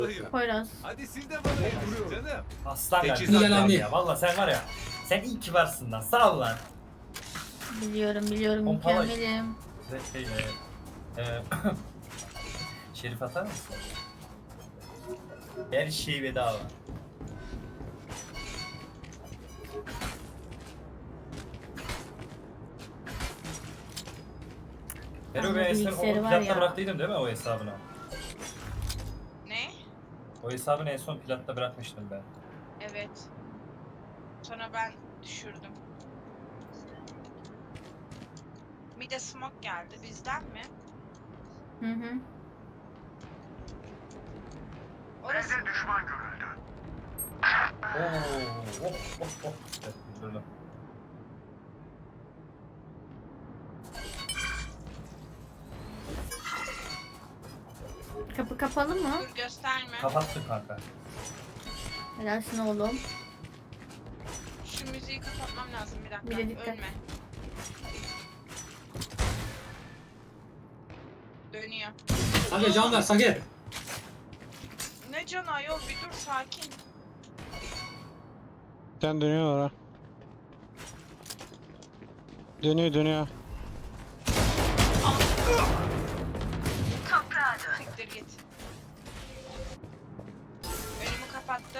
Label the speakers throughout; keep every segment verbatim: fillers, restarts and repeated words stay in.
Speaker 1: Poyraz.
Speaker 2: Hadi siz de bana yetişin canım.
Speaker 3: Aslan
Speaker 2: Teçhizat
Speaker 3: kardeşim
Speaker 4: yalancı.
Speaker 3: ya. Valla sen var ya. Sen iyi ki varsın lan. Sağ ol lan.
Speaker 1: Biliyorum biliyorum
Speaker 3: Pompala.
Speaker 1: mükemmelim.
Speaker 3: Ve şey, e, e, Şerif atar mısın? Her şey bedava. Hero
Speaker 1: Ama
Speaker 3: ben eskiden
Speaker 1: bilgisayarı
Speaker 3: o
Speaker 1: var
Speaker 3: platta
Speaker 1: ya.
Speaker 3: bıraktıydım değil mi o hesabını?
Speaker 5: Ne?
Speaker 3: O hesabını en son platta bırakmıştım ben.
Speaker 5: Evet. Sonra ben düşürdüm. Bir de smoke geldi. Bizden mi?
Speaker 1: Hı hı.
Speaker 5: Orası
Speaker 3: Oo, oh, oh, oh. Evet, üzüldüm.
Speaker 1: Kapı kapalı mı?
Speaker 5: dur gösterme.
Speaker 3: Kapattım kanka.
Speaker 1: Helalsin oğlum.
Speaker 5: Şu müziği kapatmam lazım bir dakika.
Speaker 1: Bir de dikkat.
Speaker 5: Ölme. Dönüyor.
Speaker 4: Sage can ver Sage.
Speaker 5: Ne can ayol bir dur sakin.
Speaker 6: Sen dönüyor ha. Dönüyor dönüyor.
Speaker 5: Siktir git. Önümü kapattı.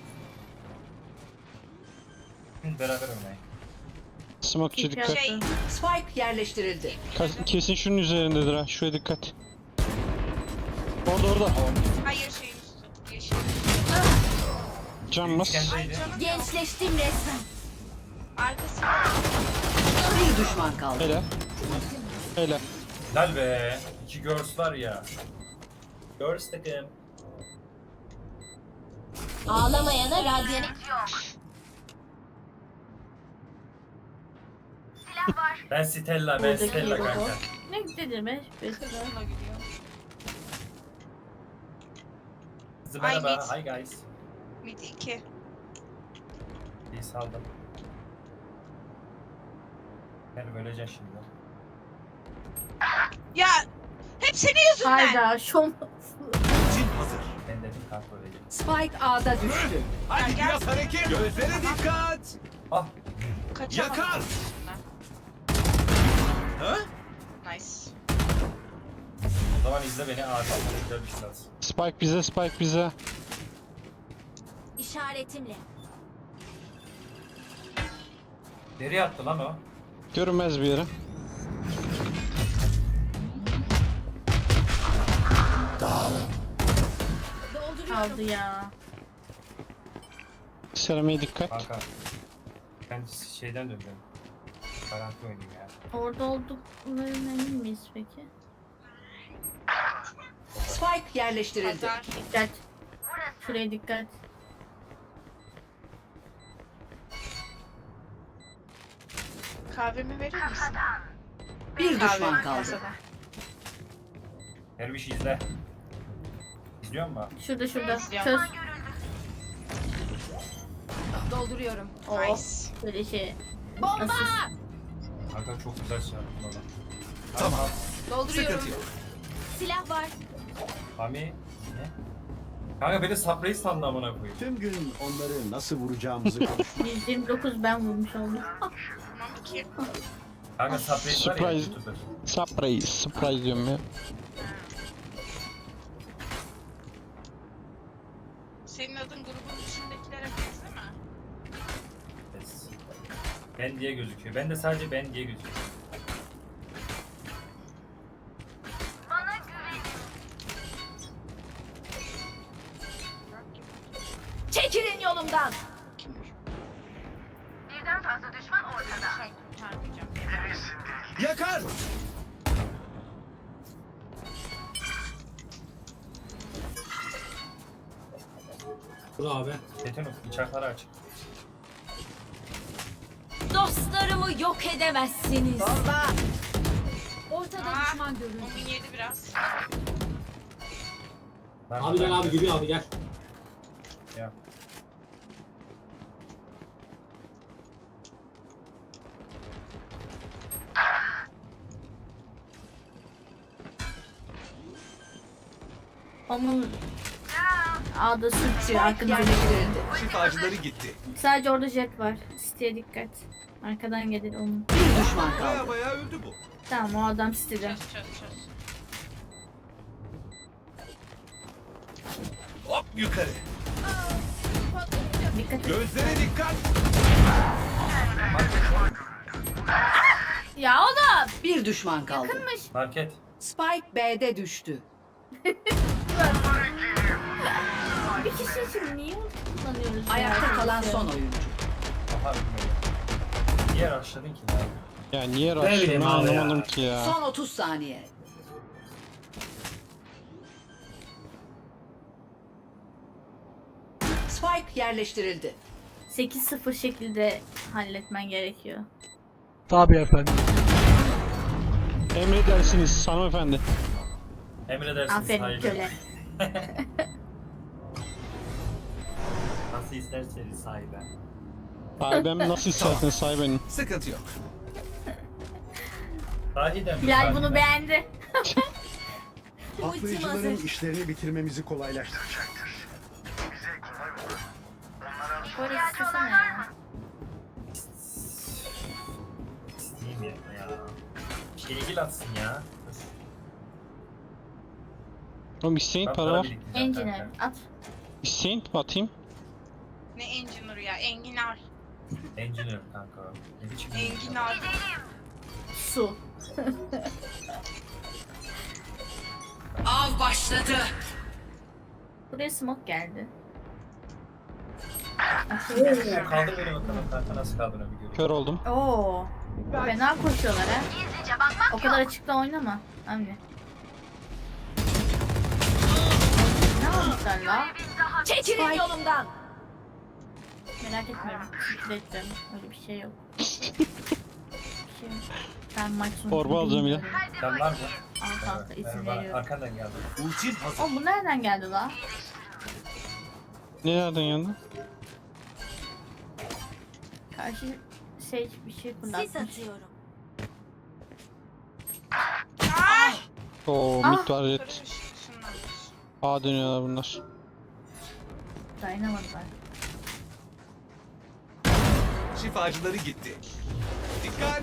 Speaker 3: Hı, beraber oynayın.
Speaker 6: Smoke'çı dikkat.
Speaker 5: Şey
Speaker 7: Spike yerleştirildi.
Speaker 6: Kas- Kesin şunun üzerindedir ha. Şuraya dikkat. Orada orada.
Speaker 5: hayır şeyin üstü. Yeşil.
Speaker 6: Can bas.
Speaker 5: Ay
Speaker 3: İskendeydi.
Speaker 5: canım yok.
Speaker 1: Gençleştim resmen.
Speaker 5: Arkası.
Speaker 7: Bir düşman kaldı.
Speaker 6: Hele. Hele.
Speaker 3: Lal be. İki girls var ya. Girls takım.
Speaker 1: Ağlamayana radyanik.
Speaker 3: Ben Stella, ben
Speaker 1: Buradaki
Speaker 3: Stella
Speaker 1: logo.
Speaker 3: kanka.
Speaker 1: Ne dedim be?
Speaker 5: Kızla gidiyor.
Speaker 3: Kızı
Speaker 5: Ay,
Speaker 3: merhaba.
Speaker 5: mid.
Speaker 3: Hi guys.
Speaker 5: Mid iki.
Speaker 3: İyi saldım. Ben öleceğim şimdi.
Speaker 5: Ya hep senin yüzünden.
Speaker 1: Hayda şom.
Speaker 2: Cin hazır.
Speaker 3: Ben dedim kanka öleceğim.
Speaker 7: Spike A'da düştü.
Speaker 2: Hadi
Speaker 5: gel.
Speaker 2: biraz hareket. Gözlere dikkat.
Speaker 3: Ah.
Speaker 5: Kaçamadım.
Speaker 2: Yakar. Ha?
Speaker 5: Nice.
Speaker 3: O zaman izle beni abi. Güzel bir şey lazım.
Speaker 6: Spike bize, Spike bize.
Speaker 1: İşaretimle.
Speaker 3: Nereye attı lan o?
Speaker 6: Görünmez bir yere.
Speaker 1: Kaldı ya.
Speaker 6: Seramaya dikkat.
Speaker 3: Kanka. Ben şeyden döndüm. Garanti oynayayım ya.
Speaker 1: Orada olduklarına emin miyiz peki?
Speaker 7: Spike yerleştirildi.
Speaker 5: Pazar.
Speaker 1: Dikkat. Şuraya dikkat.
Speaker 5: Kahvemi verir misin?
Speaker 7: Bir düşman
Speaker 5: Kahvemi
Speaker 7: kaldı.
Speaker 5: masada.
Speaker 3: Her bir şey izle. İzliyor musun?
Speaker 1: Şurada şurada.
Speaker 5: İzliyorum.
Speaker 1: Çöz.
Speaker 7: Dolduruyorum.
Speaker 1: Oh.
Speaker 5: Nice.
Speaker 1: Böyle şey.
Speaker 7: Bomba!
Speaker 1: Nasıl?
Speaker 3: Kanka çok güzel şey yaptın ona.
Speaker 2: Tamam.
Speaker 7: Dolduruyorum.
Speaker 2: Sıkıntı yok.
Speaker 1: Silah var.
Speaker 3: Mami. Ne? Kanka beni sapreyi sandı amına koyayım.
Speaker 8: Tüm gün onları nasıl vuracağımızı konuştuk.
Speaker 1: yüz yirmi dokuz ben vurmuş oldum.
Speaker 5: Tamam iki.
Speaker 3: Kanka sapreyi var ya
Speaker 6: Surprise.
Speaker 3: YouTuber.
Speaker 6: Surprise, surprise diyorum ya.
Speaker 5: Senin adın grubun içindekilere benzeme.
Speaker 3: Yes. Ben diye gözüküyor. Ben de sadece ben diye gözüküyor.
Speaker 7: Çekilin yolumdan.
Speaker 5: Birden fazla düşman ortada. Sen kurtarmayacağım.
Speaker 2: Yakar.
Speaker 4: Dur abi.
Speaker 3: Tetanus bıçakları aç.
Speaker 1: Dostlarımı yok edemezsiniz.
Speaker 7: Bomba!
Speaker 1: Ortada
Speaker 5: Aa,
Speaker 1: düşman görüldü.
Speaker 5: Omun yedi biraz.
Speaker 3: Ben
Speaker 4: Abi gel abi gibi abi gel.
Speaker 3: Ya.
Speaker 1: Onun A'da sürtüyor
Speaker 7: Spike
Speaker 1: arkanıza.
Speaker 7: yerleştirildi.
Speaker 2: Şifacıları gitti.
Speaker 1: Sadece orada jet var. Site'ye dikkat. Arkadan gelir onun.
Speaker 7: Bir düşman
Speaker 2: Baya
Speaker 7: kaldı.
Speaker 2: baya öldü bu.
Speaker 1: Tamam o adam sitede.
Speaker 5: Çöz çöz çöz.
Speaker 2: Hop yukarı.
Speaker 1: Dikkat et.
Speaker 2: Gözlere dikkat.
Speaker 1: Ya oğlum!
Speaker 7: Bir düşman kaldı.
Speaker 1: Yakınmış.
Speaker 3: Market.
Speaker 7: Spike B'de düştü.
Speaker 1: Bir kişi için niye kullanıyoruz?
Speaker 7: Ayakta
Speaker 1: ya?
Speaker 7: kalan son oyuncu.
Speaker 3: Aha bilmiyorum. Niye rushladın ki ya?
Speaker 6: Ya niye
Speaker 4: Ne bileyim
Speaker 6: rush'ını
Speaker 4: abi ya.
Speaker 6: anlamadım ki ya.
Speaker 7: Son otuz saniye. Spike yerleştirildi.
Speaker 1: sekiz sıfır şekilde halletmen gerekiyor.
Speaker 6: Tabii efendim. Emredersiniz hanımefendi.
Speaker 3: Emredersiniz
Speaker 1: Aferin
Speaker 3: sahibi.
Speaker 1: köle.
Speaker 3: Nasıl isterseniz sahibi.
Speaker 6: Sahibem nasıl isterseniz sahibenim.
Speaker 2: Sıkıntı yok.
Speaker 3: Sahiden mi?
Speaker 1: Bilal
Speaker 3: Sahiden.
Speaker 1: bunu beğendi.
Speaker 8: Patlayıcıların işlerini bitirmemizi kolaylaştıracaktır.
Speaker 1: Böyle istesene ya.
Speaker 3: İsteyeyim ya. ya. Şerigil atsın ya.
Speaker 6: Oğlum isteyin
Speaker 3: Ben
Speaker 6: para var.
Speaker 3: biriktireceğim
Speaker 1: Engineer
Speaker 3: kanka.
Speaker 1: at.
Speaker 6: İsteyin atayım.
Speaker 5: Ne engineer ya? Enginar.
Speaker 3: Engineer kanka. Ne biçim
Speaker 5: Enginar.
Speaker 1: Su.
Speaker 7: Av başladı.
Speaker 1: Buraya smoke geldi.
Speaker 3: Kaldır beni bakalım kanka nasıl kaldırabiliyorum.
Speaker 6: Kör oldum.
Speaker 1: Oo. Fena koşuyorlar ha. O kadar açıkta oynama. Anne. Ne almışlar la?
Speaker 7: Çekilin yolumdan.
Speaker 1: Merak etmiyorum. Sikleteceğim. Öyle bir şey yok. Bir şey yok. Ben maç sonucunu
Speaker 6: Torba alacağım ya.
Speaker 1: bilmiyorum.
Speaker 3: Sen var mı?
Speaker 1: Al kanka izin
Speaker 3: Merhaba,
Speaker 1: veriyorum.
Speaker 3: arkandan geldi.
Speaker 2: Ultim hazır.
Speaker 1: Oğlum bu nereden geldi la?
Speaker 6: Ne nereden geldi?
Speaker 1: Karşı şey bir şey fırlatmış.
Speaker 7: atıyorum.
Speaker 6: Oo
Speaker 1: Ah!
Speaker 6: mid var jet.
Speaker 5: Kırmış şunlarmış.
Speaker 6: A dönüyorlar bunlar.
Speaker 1: Dayanamadılar.
Speaker 2: Şifacıları gitti. Dikkat.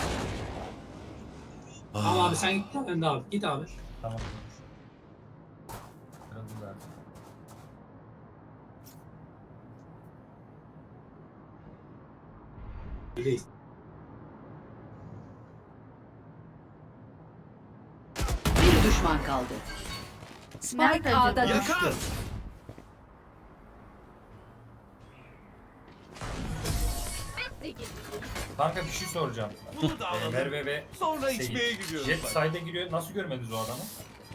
Speaker 4: Tamam abi sen git ben de abi. Git abi.
Speaker 3: Tamam. Kırıldı zaten.
Speaker 4: Öyleyiz.
Speaker 7: Bir düşman kaldı.
Speaker 1: Nerede
Speaker 7: Spike A'da
Speaker 1: acaba?
Speaker 7: düştü.
Speaker 2: Yakar.
Speaker 3: Kanka bir şey soracağım.
Speaker 2: Bunu da
Speaker 3: Ee,
Speaker 2: alalım.
Speaker 3: Merve ve
Speaker 2: Sonra
Speaker 3: Seyit.
Speaker 2: içmeye gidiyoruz.
Speaker 3: Jet
Speaker 2: bak.
Speaker 3: side'e giriyor. Nasıl görmediniz o adamı?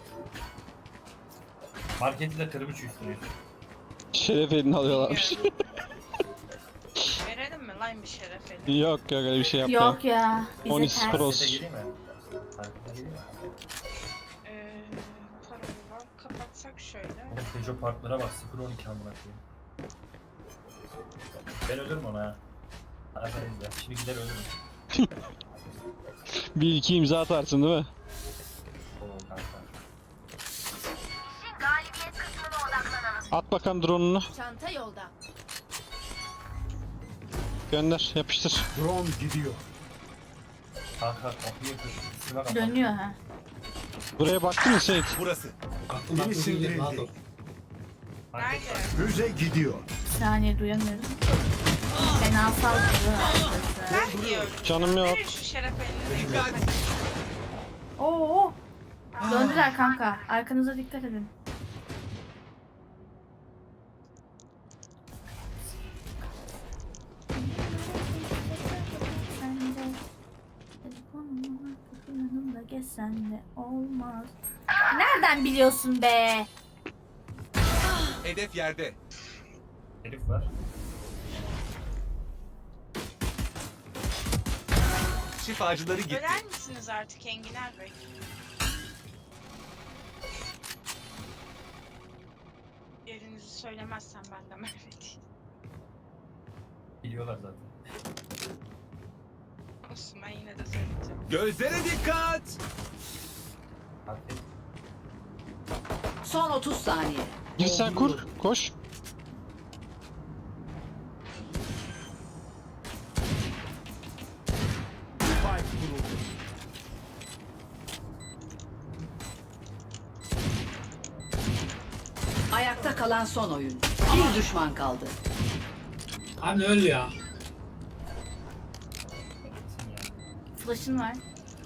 Speaker 3: Marketi de kırmış üstüne.
Speaker 6: Şeref elini alıyorlarmış.
Speaker 5: Verelim mi lan bir şeref eli?
Speaker 6: Yok yok öyle bir şey yapmayın.
Speaker 1: Yok ya. Bize
Speaker 6: on iki
Speaker 1: ters.
Speaker 6: pro.
Speaker 3: Markete gireyim mi? Markete gireyim mi?
Speaker 5: Ee, paralı var. Kapatsak şöyle.
Speaker 3: Oğlum Peugeot Parklara bak. sıfır on iki amına koyayım. Ben ölürüm ona ha. Aferin ya. Şimdi gider ölürüm.
Speaker 6: Bir iki imza atarsın değil mi?
Speaker 3: Oo kanka.
Speaker 6: At bakalım drone'unu.
Speaker 7: Çanta yolda.
Speaker 6: Gönder yapıştır.
Speaker 8: Drone gidiyor.
Speaker 3: Kanka kapıyı kır. Üstüme kapat.
Speaker 1: Dönüyor ha.
Speaker 6: Buraya baktın mı Seyit?
Speaker 2: Burası.
Speaker 4: Aklım
Speaker 8: Biri
Speaker 4: aklım değil.
Speaker 8: sindirildi.
Speaker 4: Rahat ol.
Speaker 3: Market var.
Speaker 5: Nerede?
Speaker 8: Müze gidiyor.
Speaker 1: Bir saniye duyamıyorum. Fena saldırı arkadaşlar.
Speaker 5: Ben diyorum.
Speaker 6: Canım yok.
Speaker 5: Verin şu şeref elini.
Speaker 2: Dikkat.
Speaker 1: Oo. Döndüler kanka. Arkanıza dikkat edin. Sen de telefonuma kapı yanımda gezsen de olmaz. Nereden biliyorsun be?
Speaker 2: Hedef yerde.
Speaker 3: Herif var.
Speaker 2: Şifacıları gitti.
Speaker 5: Öler misiniz artık Enginar Bey? Yerinizi söylemezsem ben de Merve değil.
Speaker 3: Biliyorlar zaten.
Speaker 5: Olsun ben yine de söyleyeceğim.
Speaker 2: Gözlere dikkat.
Speaker 3: Market.
Speaker 7: Son otuz saniye.
Speaker 6: Gir sen kur. Koş.
Speaker 8: Spike kuruldu.
Speaker 7: Ayakta kalan son oyun. Bir düşman kaldı.
Speaker 4: Abi öl ya.
Speaker 1: Flash'ın var.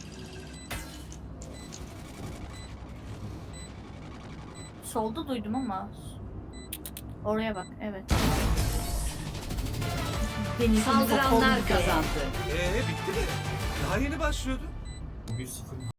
Speaker 1: Solda duydum ama. Oraya bak, evet. Denizin
Speaker 7: Saldıranlar
Speaker 1: kapalı be.
Speaker 7: kazandı.
Speaker 2: Ee bitti mi? Daha yeni başlıyordu.
Speaker 3: Bugün sıfır.